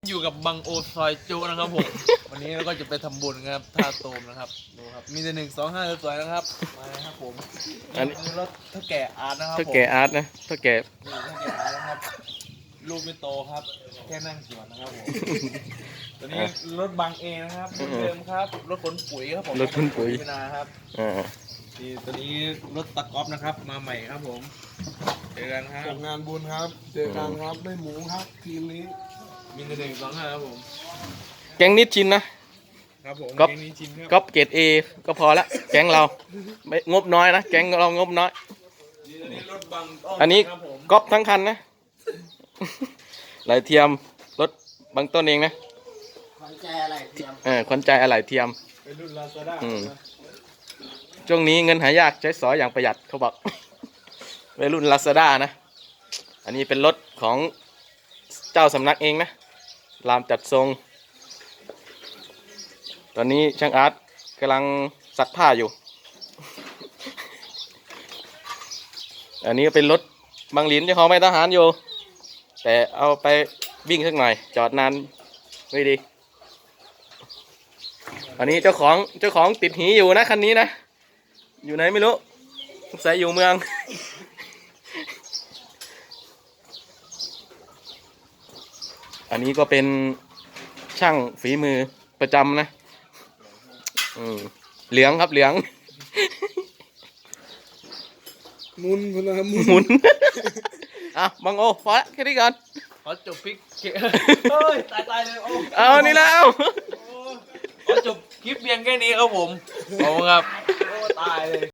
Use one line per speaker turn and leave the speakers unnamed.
อยู่กับบังโอซอยจูนะครับผม วันนี้เราก็จะไปทำบุญครับท่าโตมนะครับดูครับมีแต่1 2 5สวยๆนะครับมาเลยครับผมอันนี้รถเท่าแก่อาร์ตนะครับผม
เท่าแก่อาร์ตนะเท่าแก่
นี่เท่าแก่อาร์ตนะครับลูกไม่โตครับแค่นั่งสวนนะครับผมตัวนี้รถบังเอนะครับรุ่นเดิมครับรถขนปุ๋ยครับผม
รถขนปุ๋ย
พินาครับ
อ่า
นี่ตัวนี้รถตะก๊อฟนะครับมาใหม่ครับผมเจอกันครับ
ส่งงานบุญครับ เจอกันครับได้หมูครับทีมนี้
มีแต่1 2 5ครับผม
แก๊งนิดชินนะครับ
ผม
ก๊อฟ
เกมนี้ชิมครับ
ก๊อปเกรดเอก็พอละแก๊งเราไม่งบน้อยนะแก๊งเรางบน้อย
ตัวนี้รถบังต้
อันนี้
ครับผม
ก๊อปทั้งคันนะ ไหลเทียมรถบางต้นเองนะ
ขวัญใจอะไรเทียม
ขวัญใจอะไหล่เทียม
เป็นรุ่นลาซาด้า
อืม ช่วงนี้เงินหายากใช้สอยอย่างประหยัดเขาบอก วัยรุ่นลาซาด้านะ อันนี้เป็นรถของเจ้าสำนักเองนะรามจัดทรง ตอนนี้ช่างอาร์ตกำลังซักผ้าอยู่ อันนี้ก็เป็นรถบางหลินเจ้าของไม่ทหารอยู่ แต่เอาไปวิ่งสักหน่อย จอดนานไม่ดี อันนี้เจ้าของติดหีอยู่นะคันนี้นะ อยู่ไหนไม่รู้สงสัยอยู่เมือง อันนี้ก็เป็นช่างฝีมือประจำนะเหลืองครับเหลือง
มุนคนละมุน
หมุน อ่ะบังโอพอละแค่นี้ก่อน
ขอจบพลิกเฮ้ยตายเลยโอ้
เอานี่แล้ว
ขอจบคลิปเพียงแค่นี้ครับผมขอบคุณครับโอ้ตายเลย